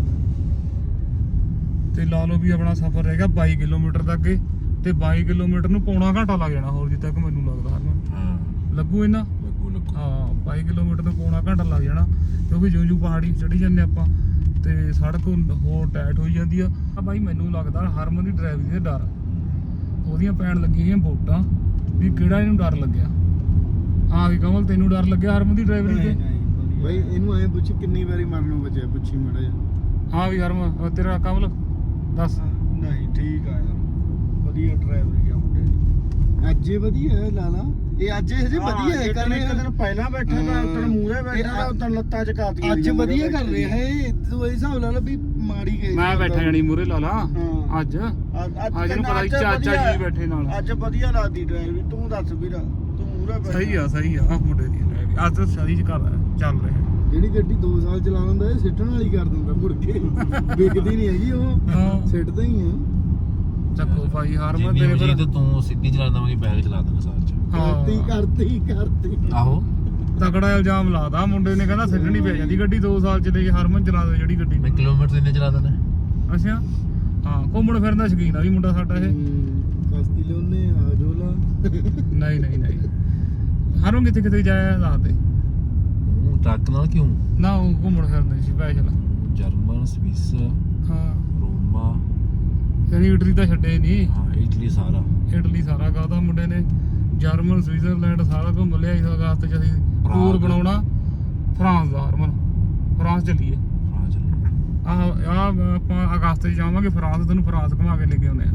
ਤੇ ਲਾ ਲਓ ਵੀ ਆਪਣਾ ਸਫ਼ਰ ਰਹਿ ਗਿਆ ਬਾਈ ਕਿਲੋਮੀਟਰ ਦਾ ਅੱਗੇ ਤੇ ਬਾਈ ਕਿਲੋਮੀਟਰ ਨੂੰ ਪੌਣਾ ਘੰਟਾ ਲੱਗ ਜਾਣਾ ਹੋਰ ਜਿੱਦ ਤੱਕ ਮੈਨੂੰ ਲੱਗਦਾ ਹਰਮਨ ਹਾਂ ਲੱਗੂ ਇਹਨਾਂ ਲੱਗੂ ਲੱਗੂ ਹਾਂ ਬਾਈ ਕਿਲੋਮੀਟਰ ਤੋਂ ਪੌਣਾ ਘੰਟਾ ਲੱਗ ਜਾਣਾ ਕਿਉਂਕਿ ਜਿਉਂ ਜਿਉਂ ਪਹਾੜੀ ਚੜੀ ਜਾਂਦੇ ਆਪਾਂ ਤੇ ਸੜਕ ਹੋਰ ਟਾਈਟ ਹੋਈ ਜਾਂਦੀ ਆ ਆ ਬਾਈ ਮੈਨੂੰ ਲੱਗਦਾ ਹਰਮਨ ਦੀ ਡਰਾਈਵਿੰਗ ਦੇ ਡਰ ਉਹਦੀਆਂ ਪੈਣ ਲੱਗੀਆਂ ਵੋਟਾਂ ਵੀ ਕਿਹੜਾ ਇਹਨੂੰ ਡਰ ਲੱਗਿਆ ਹਾਂ ਵੀ ਕਮਲ ਤੈਨੂੰ ਡਰ ਲੱਗਿਆ ਹਰਮਨ ਦੀ ਡਰਾਈਵਿੰਗ ਤੇ ਬਈ ਇਹਨੂੰ ਐ ਪੁੱਛ ਕਿੰਨੀ ਵਾਰੀ ਮਰਨੋਂ ਬਚਿਆ ਪੁੱਛੀ ਮੜਾ ਜਾ ਹਾਂ ਵੀ ਹਰਮਨ ਉਹ ਤੇਰਾ ਕਮਲ ਦੱਸ ਨਹੀਂ ਠੀਕ ਆ ਯਾਰ ਵਧੀਆ ਡਰਾਈਵਰੀ ਆ ਮੁੰਡੇ ਦੀ ਅੱਜ ਹੀ ਵਧੀਆ ਹੈ ਲਾਲਾ ਇਹ ਅੱਜ ਹਜੇ ਵਧੀਆ ਹੈ ਕਰ ਰਿਹਾ ਇੱਕ ਦਿਨ ਪਹਿਲਾਂ ਬੈਠਾ ਮੈਂ ਉਤਨ ਮੂਹਰੇ ਬੈਠਾ ਤਾਂ ਉਤਨ ਲੱਤਾਂ ਚ ਕਾਤੀਆਂ ਅੱਜ ਵਧੀਆ ਕਰ ਰਿਹਾ ਹੈ ਤੂੰ ਇਹ ਹਿਸਾਬ ਲਾ ਲਾ ਵੀ ਮਾੜੀ ਗਈ ਮੈਂ ਬੈਠਾ ਜਾਣੀ ਮੂਰੇ ਲਾ ਲਾ ਹਾਂ। ਅੱਜ ਅੱਜ ਅੱਜ ਨੂੰ ਪਤਾ ਹੀ ਚਾਚਾ ਜੀ ਬੈਠੇ ਨਾਲ ਅੱਜ ਵਧੀਆ ਲੱਗਦੀ ਡਰਾਈਵਰੀ ਤੂੰ ਦੱਸ ਵੀਰਾ ਤੂੰ ਮੂਹਰੇ ਬੈਠਾ ਸਹੀ ਆ ਸਹੀ ਆ ਆਹ ਮੁੰਡੇ ਦੀ ਡਰਾਈਵਿੰਗ ਅੱਜ ਤਾਂ ਸਹੀ ਚ ਕਰ ਚੱਲ ਰਿਹਾ ਜਿਹੜੀ ਗੱਡੀ ਦੋ ਸਾਲ ਚਲਾ ਲੈਂਦਾ ਇਹ ਸਿੱਟਣ ਵਾਲੀ ਕਰ ਦਿੰਦਾ ਮੁੜ ਕੇ ਵਿਕਦੀ ਨਹੀਂ ਹੈਗੀ ਉਹ ਹਾਂ ਸਿੱਟਦਾ ਹੀ ਆ ਚੱਕੋ ਭਾਈ ਹਰਮਨ ਜਿੰਨੀ ਤੇਰੇ ਵਜੇ ਪਰ ਤੂੰ ਸਿੱਧੀ ਚਲਾਉਂਦਾ ਮੈਂ ਬੈਗ ਚਲਾ ਦਾਂਗਾ ਸਾਲ ਚ ਕਰਤੀ ਕਰਤੀ ਕਰਤੀ ਆਹੋ ਤਕੜਾ ਇਲਜ਼ਾਮ ਲਾਦਾ ਮੁੰਡੇ ਨੇ ਕਹਿੰਦਾ ਸਿੱਟਣੀ ਪੈ ਜਾਂਦੀ ਗੱਡੀ ਦੋ ਸਾਲ ਚ ਲੈ ਕੇ ਹਰਮਨ ਚਲਾ ਦੇ ਜਿਹੜੀ ਗੱਡੀ ਮੈਂ ਕਿਲੋਮੀਟਰ ਇੰਨੇ ਚਲਾ ਦਿੰਦਾ ਅੱਛਾ ਹਾਂ ਘੁੰਮਣ ਫਿਰਨ ਦਾ ਸ਼ੌਕੀਨ ਆ ਵੀ ਮੁੰਡਾ ਸਾਡਾ ਇਹ ਕਸਤੀ ਲਿਓਨੇ ਆ ਜੋਲਾ ਨਹੀਂ ਨਹੀਂ ਨਹੀਂ ਹਰਮਨ ਕਿਤੇ ਕਿਤੇ ਜਾਇਆ ਦੱਸ ਦੇ ਉਹ ਟਰੱਕ ਨਾਲ ਕਿਉਂ ਨਾ ਉਹ ਘੁੰਮਣ ਫਿਰਨ ਦੀ ਸਪੈਸ਼ਲ ਜਰਮਨ ਸਵਿਸ ਹਾਂ ਰੋਮਾ ਯਾਨੀ ਇਟਲੀ ਤਾਂ ਛੱਡੇ ਨਹੀਂ ਹਾਂ ਇਟਲੀ ਸਾਰਾ ਇਟਲੀ ਸਾਰਾ ਕਾਹਦਾ ਮੁੰਡੇ ਨੇ ਜਰਮਨ ਸਵਿਟਜ਼ਰਲੈਂਡ ਸਾਰਾ ਘੁੰਮ ਲਿਆ ਇਸ ਅਗਸਤ ਚ ਅਸੀਂ ਫਰਾਂਸ। ਟੂਰ ਬਣਾਉਣਾ ਫਰਾਂਸ ਦਾ ਹਰਮਨ ਫਰਾਂਸ ਚੱਲੀਏ ਹਾਂ ਚੱਲ ਆਹ ਆਹ ਆਪਾਂ ਅਗਸਤ ਚ ਜਾਵਾਂਗੇ ਫਰਾਂਸ ਤੈਨੂੰ ਫਰਾਂਸ ਘੁਮਾ ਕੇ ਲੈ ਕੇ ਆਉਂਦੇ ਆ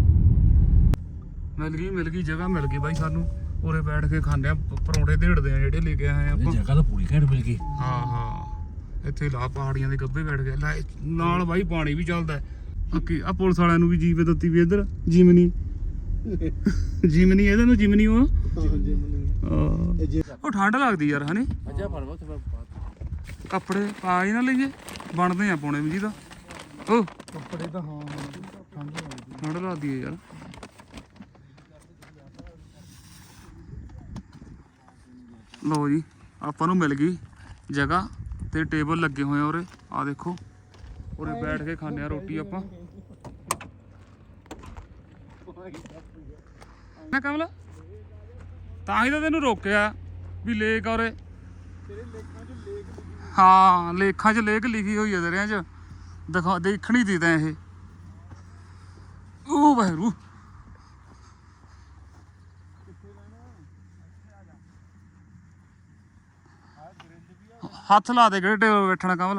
ਮਿਲ ਗਈ ਮਿਲ ਗਈ ਜਗ੍ਹਾ ਮਿਲ ਗਈ ਬਾਈ ਸਾਨੂੰ ਉਰੇ ਬੈਠ ਕੇ ਖਾਂਦੇ ਆ ਪ- ਪਰੌਂਠੇ ਢੇੜਦੇ ਆ ਜਿਹੜੇ ਲੈ ਕੇ ਆਏ ਇਹ ਆਪਾਂ ਜਗ੍ਹਾ ਤਾਂ ਪੂਰੀ ਘੈਂਟ ਮਿਲ ਗਈ ਹਾਂ ਹਾਂ ਇੱਥੇ ਲਾ ਪਹਾੜੀਆਂ ਦੇ ਗੱਭੇ ਬੈਠ ਗਏ ਲੈ ਨਾਲ ਬਾਈ ਪਾਣੀ ਵੀ ਚੱਲਦਾ ਬਾਕੀ ਆ ਪੁਲਿਸ ਵਾਲਿਆਂ ਨੂੰ ਵੀ ਜੀਵੇ ਦਿੱਤੀ ਵੀ ਇੱਧਰ ਜਿਮਨੀ ਜਿਮਨੀ ਇਹਦੇ ਨੂੰ ਜਿਮਨੀ ਉਹ ਆਹ। ਉਹ ਠੰਡ ਲੱਗਦੀ ਯਾਰ ਹਨੇ ਅੱਜਾ ਪਰਵਾ ਤੇ ਕੱਪੜੇ ਪਾ ਹੀ ਨਾ ਲਈਏ ਬਣਦੇ ਆ ਪਾਉਣੇ ਵੀ ਜੀ ਦਾ ਉਹ ਕੱਪੜੇ ਤਾਂ ਹਾਂ ਠੰਡ ਲੱਗਦੀ ਠੰਡ ਲੱਗਦੀ ਹੈ ਯਾਰ ਲਓ ਜੀ ਆਪਾਂ ਨੂੰ ਮਿਲ ਗਈ ਜਗ੍ਹਾ ਤੇ ਟੇਬਲ ਲੱਗੇ ਹੋਏ ਆ ਉਰੇ ਆ ਦੇਖੋ ਉਰੇ ਬੈਠ ਕੇ ਖਾਂਦੇ ਆ ਰੋਟੀ ਆਪਾਂ ਨਾ ਕਮਲ ਤਾਂ ਹੀ ਤਾਂ ਤੈਨੂੰ ਰੋਕਿਆ ਵੀ ਲੇਕ ਔਰੇ ਹਾਂ ਲੇਖਾਂ 'ਚ ਲੇਖ ਲਿਖੀ ਹੋਈ ਹੈ ਦਰਿਆਂ 'ਚ ਦਿਖਾ ਦੇਖਣੀ ਦੀ ਤਾਂ ਇਹ ਉਹ ਬਹਿਰੂ ਹੱਥ ਲਾ ਦੇ ਕਿਹੜੇ ਟੇਬਲ ਬੈਠਣਾ ਕਮਲ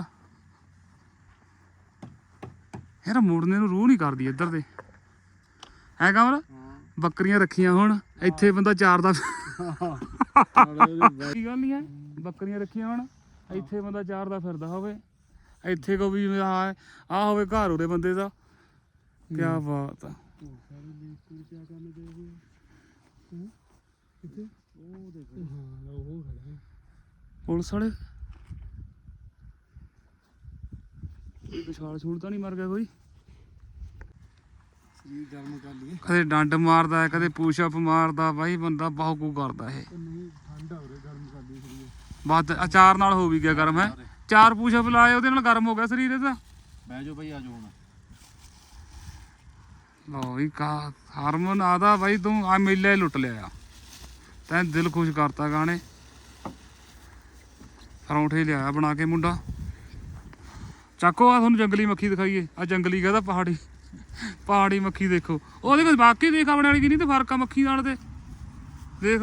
ਯਾਰ ਮੁੜਨੇ ਨੂੰ ਰੂਹ ਨਹੀਂ ਕਰਦੀ ਇੱਧਰ ਦੇ ਹੈ ਕਮਲ ਬੱਕਰੀਆਂ ਰੱਖੀਆਂ ਹੁਣ ਇੱਥੇ ਬੰਦਾ ਚਾਰ ਦਾ ਕੀ ਗੱਲ ਨਹੀਂ ਹੈ ਬੱਕਰੀਆਂ ਰੱਖੀਆਂ ਹੁਣ ਇੱਥੇ ਬੰਦਾ ਚਾਰ ਦਾ ਫਿਰਦਾ ਹੋਵੇ ਇੱਥੇ ਕੋ ਵੀ ਆ ਆ ਹੋਵੇ ਘਰ ਉਹਦੇ ਬੰਦੇ ਦਾ ਕੀ ਬਾਤ ਆ ਪੁਲਿਸ ਵਾਲੇ ਕੋਈ ਵਿਸ਼ਾਲ ਛੂੜ ਤਾਂ ਨਹੀਂ ਮਰ ਗਿਆ ਕੋਈ ਸਰੀਰ ਗਰਮ ਕਰ ਲਈਏ ਕਦੇ ਡੰਡ ਮਾਰਦਾ ਹੈ ਕਦੇ ਪੁਸ਼ਅਪ ਮਾਰਦਾ ਬਾਈ ਬੰਦਾ ਬਹੁਤ ਕੁ ਕਰਦਾ ਇਹ ਨਹੀਂ ਠੰਡ ਹੋ ਰਹੀ ਗਰਮ ਕਰ ਲਈ ਸਰੀਰ ਬਾਤ ਅਚਾਰ ਨਾਲ ਹੋ ਵੀ ਗਿਆ ਗਰਮ ਹੈ ਚਾਰ ਪੁਸ਼ਅਪ ਲਾਏ ਉਹਦੇ ਨਾਲ ਗਰਮ ਹੋ ਗਿਆ ਸਰੀਰ ਇਹਦਾ ਬਹਿ ਜਾਓ ਭਾਈ ਆ ਜਾਓ ਹੁਣ ਲਓ ਵੀ ਕਾ ਹਰਮਨ ਆਦਾ ਬਾਈ ਤੂੰ ਆ ਮੇਲੇ ਲੁੱਟ ਲਿਆ ਤੈਂ ਦਿਲ ਖੁਸ਼ ਕਰਤਾ ਗਾਣੇ ਪਰੌਂਠੇ ਲਿਆਇਆ ਬਣਾ ਕੇ ਮੁੰਡਾ ਚੱਕੋ ਆ ਤੁਹਾਨੂੰ ਜੰਗਲੀ ਮੱਖੀ ਦਿਖਾਈਏ ਆ ਜੰਗਲੀ ਕਹਿੰਦਾ ਪਹਾੜੀ ਪਹਾੜੀ ਮੱਖੀ ਦੇਖੋ ਉਹਦੇ ਕੋਲ ਬਾਕੀ ਦੇਖ ਆਪਣੇ ਵਾਲੀ ਕੀ ਨਹੀਂ ਤੇ ਫਰਕ ਆ ਮੱਖੀ ਨਾਲ ਤੇ ਦੇਖ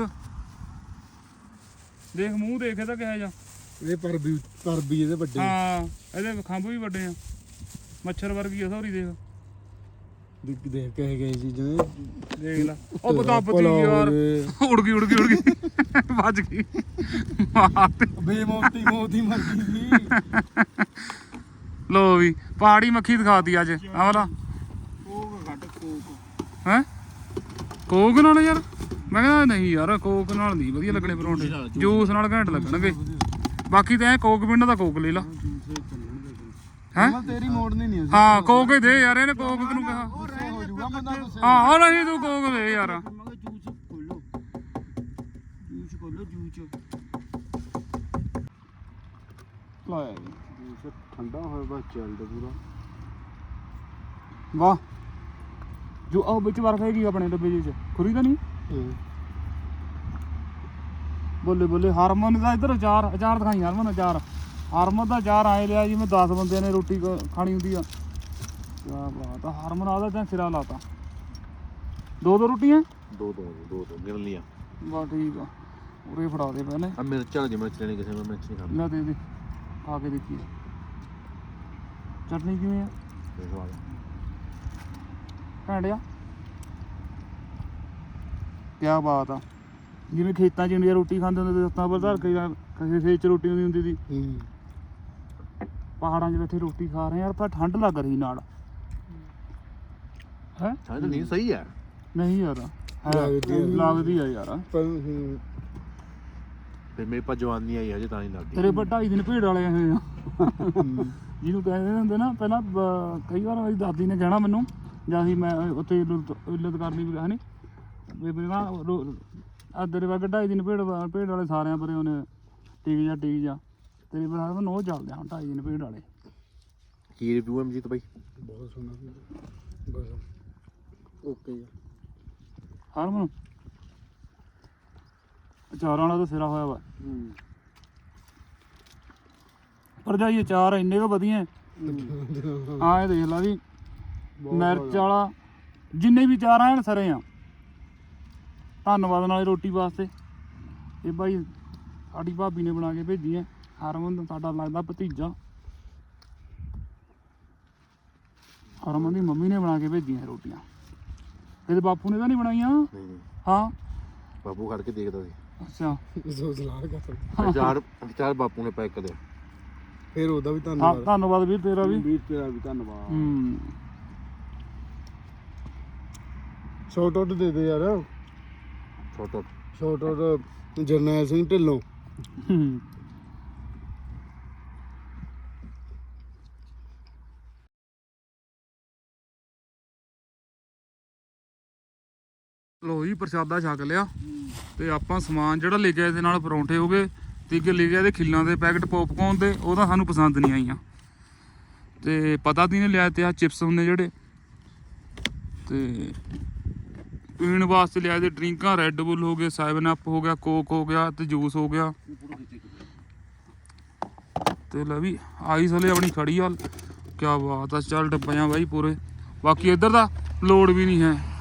ਦੇਖ ਮੂੰਹ ਦੇਖ ਇਹਦਾ ਕਿਹੋ ਜਿਹਾ ਇਹ ਪਰ ਵੀ ਪਰ ਵੀ ਇਹਦੇ ਵੱਡੇ ਹਾਂ ਇਹਦੇ ਖੰਭ ਵੀ ਵੱਡੇ ਆ ਮੱਛਰ ਵਰਗੀ ਆ ਸੌਰੀ ਦੇਖ ਦੇਖ ਦੇਖ ਕਹੇ ਗਏ ਚੀਜ਼ਾਂ ਦੇਖ ਲੈ ਉਹ ਬਤਾਬਤੀ ਯਾਰ ਉੜ ਗਈ ਉੜ ਗਈ ਉੜ ਗਈ ਵੱਜ ਗਈ ਮਾਰ ਤੇ ਬੇਮੌਤੀ ਮੌਤੀ ਮਰ ਗਈ ਲੋ ਵੀ ਪਹਾੜੀ ਮੱਖੀ ਦਿਖਾਤੀ ਅੱਜ ਆ ਵਾਲਾ ਕੋਕ ਘੱਟ ਕੋਕ ਹੈ ਕੋਕ ਨਾਲ ਯਾਰ ਮੈਂ ਕਹਿੰਦਾ ਨਹੀਂ ਯਾਰ ਕੋਕ ਨਾਲ ਨਹੀਂ ਵਧੀਆ ਲੱਗਣੇ ਪਰੌਂਠੇ ਜੂਸ ਨਾਲ ਘੈਂਟ ਲੱਗਣਗੇ ਬਾਕੀ ਤਾਂ ਐ ਕੋਕ ਪਿੰਡ ਦਾ ਕੋਕ ਲੈ ਲਾ ਹੈ ਤੇਰੀ ਮੋੜਨੀ ਨਹੀਂ ਹਾਂ ਕੋਕ ਹੀ ਦੇ ਯਾਰ ਇਹਨੇ ਕੋਕ ਨੂੰ ਕਿਹਾ ਹੋ ਜਾਊਗਾ ਬੰਦਾ ਗੁੱਸੇ ਹਾਂ ਉਹ ਨਹੀਂ ਤੂੰ ਕੋਕ ਦੇ ਯਾਰ ਜੂਸ ਖੋਲੋ ਜੂਸ ਖੋਲੋ ਜੂਸ ਲਾਇਆ ਜੂਸ ਠੰਡਾ ਹੋਇਆ ਬਸ ਚੱਲਦਾ ਪੂਰਾ ਵਾਹ ਜੋ ਉਹ ਵਿੱਚ ਬਰਫ ਹੈਗੀ ਆਪਣੇ ਡੱਬੇ ਜਿਹੇ ਚ ਖੁਰੀ ਤਾਂ ਨਹੀਂ ਬੋਲੇ ਬੋਲੇ ਹਰਮਨ ਦਾ ਇੱਧਰ ਅਚਾਰ ਅਚਾਰ ਦਿਖਾਈ ਹਰਮਨ ਅਚਾਰ ਹਰਮਨ ਦਾ ਅਚਾਰ ਆਏ ਲਿਆ ਜਿਵੇਂ ਦਸ ਬੰਦਿਆਂ ਨੇ ਰੋਟੀ ਕ- ਖਾਣੀ ਹੁੰਦੀ ਆ ਕਿਆ ਬਾਤ ਆ ਹਰਮਨ ਆਦਾ ਤਾਂ ਸਿਰਾ ਲਾਤਾ ਦੋ ਦੋ ਰੋਟੀਆਂ ਦੋ ਦੋ ਦੋ ਦੋ ਗਿਣ ਲਿਆ ਬਾ ਠੀਕ ਆ ਉਰੇ ਫੜਾ ਦੇ ਪਹਿਲੇ ਆ ਮਿਰਚਾਂ ਦੀ ਮਿਰਚ ਲੈਣੀ ਕਿਸੇ ਮੈਂ ਮਿਰਚ ਨਹੀਂ ਖਾਂਦਾ ਲੈ ਦੇ ਦੇ ਖਾ ਕੇ ਦੇਖੀ ਚਟਨੀ ਕਿਵੇਂ ਆ ਇਹ ਸਵਾਦ ਘੈਂਟਿਆ ਕਿਆ ਬਾਤ ਆ ਜਿਵੇਂ ਖੇਤਾਂ 'ਚ ਇੰਡੀਆ ਰੋਟੀ ਖਾਂਦੇ ਹੁੰਦੇ ਤੇ ਸੱਤਾਂ ਪਰ ਧਰ ਕੇ ਜਾਂ ਕਿਸੇ ਖੇਤ 'ਚ ਰੋਟੀ ਹੁੰਦੀ ਹੁੰਦੀ ਸੀ ਪਹਾੜਾਂ 'ਚ ਬੈਠੇ ਰੋਟੀ ਖਾ ਰਹੇ ਯਾਰ ਪਰ ਠੰਡ ਲੱਗ ਰਹੀ ਨਾਲ ਹੈ ਠੰਡ ਨਹੀਂ ਸਹੀ ਹੈ ਨਹੀਂ ਯਾਰ ਹੈ, ਲੱਗਦੀ ਆ। ਲੱਗਦੀ ਆ ਯਾਰ ਫਿਰ ਮੇਰੇ ਪਾ ਜਵਾਨੀ ਆਈ ਹਜੇ ਤਾਂ ਨਹੀਂ ਲੱਗਦੀ ਤੇਰੇ ਪਰ ਢਾਈ ਦਿਨ ਭੇਡ ਵਾਲੇ ਆਏ ਆ ਜਿਹਨੂੰ ਕਹਿੰਦੇ ਹੁੰਦੇ ਨਾ ਪਹਿਲਾਂ ਬ- ਕਈ ਵਾਰ ਮੇਰੀ ਦਾਦੀ ਨੇ ਕਹਿਣਾ ਮੈਨੂੰ ਜਾਂ ਅਸੀਂ ਮੈਂ ਉੱਥੇ ਇੱਲਤ ਇੱਲਤ ਕਰਨੀ ਵੀ ਹੈ ਨੀ ਵੀ ਮੇਰੇ ਨਾਲ ਆ ਤੇਰੇ ਵਰਗੇ ਢਾਈ ਦਿਨ ਭੇਡ ਵਾ- ਭੇਡ ਵਾਲੇ ਸਾਰਿਆਂ ਪਰੇ ਉਹਨੇ ਟੀਕ ਜਾ ਟੀਕ ਜਾ ਤੇਰੇ ਪਰ ਆ ਨੋ ਚੱਲਦੇ ਆ ਹੁਣ ਢਾਈ ਦਿਨ ਭੇਡ ਵਾਲੇ ਕੀ ਰਿਵਿਊ ਹੈ ਮਜੀਤ ਬਾਈ ਬਹੁਤ ਸੋਹਣਾ ਬਸ ਓਕੇ ਹਰਮਨ ਅਚਾਰਾਂ ਵਾਲਾ ਤਾਂ ਸਿਰਾ ਹੋਇਆ ਵਾ ਪਰ ਜਾਈ ਅਚਾਰ ਇੰਨੇ ਕੁ ਵਧੀਆ ਆ ਇਹ ਦੇਖ ਲਾ ਵੀ ਮਿਰਚ ਵਾਲਾ ਜਿੰਨੇ ਵੀ ਚਾਰ ਆਣ ਸਰੇ ਆ ਧੰਨਵਾਦ ਨਾਲੇ ਰੋਟੀ ਵਾਸਤੇ ਇਹ ਭਾਈ ਸਾਡੀ ਭਾਬੀ ਨੇ ਬਣਾ ਕੇ ਭੇਜੀ ਹੈ ਹਰਮਨ ਸਾਡਾ ਲੱਗਦਾ ਭਤੀਜਾ ਹਰਮਨ ਦੀ ਮੰਮੀ ਨੇ ਬਣਾ ਕੇ ਭੇਜੀਆਂ ਰੋਟੀਆਂ ਇਹਦੇ ਬਾਪੂ ਨੇ ਤਾਂ ਨਹੀਂ ਬਣਾਈਆਂ ਨਹੀਂ ਨਹੀਂ ਹਾਂ ਬਾਪੂ ਖੜ ਕੇ ਦੇਖਦਾ ਸੀ ਅੱਛਾ ਸੋਚ ਲਾ ਕਰ ਚਾਰ ਚਾਰ ਬਾਪੂ ਨੇ ਪੈਕ ਕਰਿਆ ਫਿਰ ਉਹਦਾ ਵੀ ਹਾਂ ਧੰਨਵਾਦ ਧੰਨਵਾਦ ਵੀਰ ਤੇਰਾ ਵੀ ਵੀਰ ਤੇਰਾ ਵੀ ਧੰਨਵਾਦ ਹੂੰ ਸ਼ਾਰਟ ਆਊਟ ਦੇ ਦੇ ਯਾਰ ਛੋਟਾ ਸ਼ਾਰਟ ਆਊਟ ਜਰਨੈਲ ਸਿੰਘ ਢਿੱਲੋਂ ਹੂੰ। ਲੋ ਜੀ ਪ੍ਰਸ਼ਾਦਾ ਛਕ ਲਿਆ ਤੇ ਆਪਾਂ ਸਮਾਨ ਜਿਹੜਾ ਲੈ ਕੇ ਆਏ ਇਹਦੇ ਨਾਲ ਪਰੌਂਠੇ ਹੋ ਗਏ ਤੇ ਇੱਕ ਲੈ ਕੇ ਆਏ ਖਿੱਲਾਂ ਦੇ ਪੈਕਟ ਪੌਪਕੌਰਨ ਦੇ ਉਹ ਤਾਂ ਸਾਨੂੰ ਪਸੰਦ ਨਹੀਂ ਆਈਆਂ ਤੇ ਪਤਾ ਤੀ ਨੇ ਲਿਆ ਤੇ ਆ ਚਿਪਸ ਹੁੰਦੇ ਜਿਹੜੇ ਤੇ ਪੀਣ ਵਾਸਤੇ ਲਿਆ ਤੇ ਡਰਿੰਕਾਂ ਰੈੱਡ ਬੁੱਲ ਹੋ ਗਏ ਸੈਵਨ ਅਪ ਹੋ ਗਿਆ ਕੋਕ ਹੋ ਗਿਆ ਤੇ ਜੂਸ ਹੋ ਗਿਆ ਤੇ ਲੈ ਵੀ ਆਈਸ ਹਲੇ ਆਪਣੀ ਖੜੀ ਆ ਕਿਆ ਬਾਤ ਆ ਚੱਲ ਡੱਬਿਆਂ ਬਾਈ ਪੂਰੇ ਬਾਕੀ ਇੱਧਰ ਦਾ ਲੋਡ ਵੀ ਨਹੀਂ ਹੈ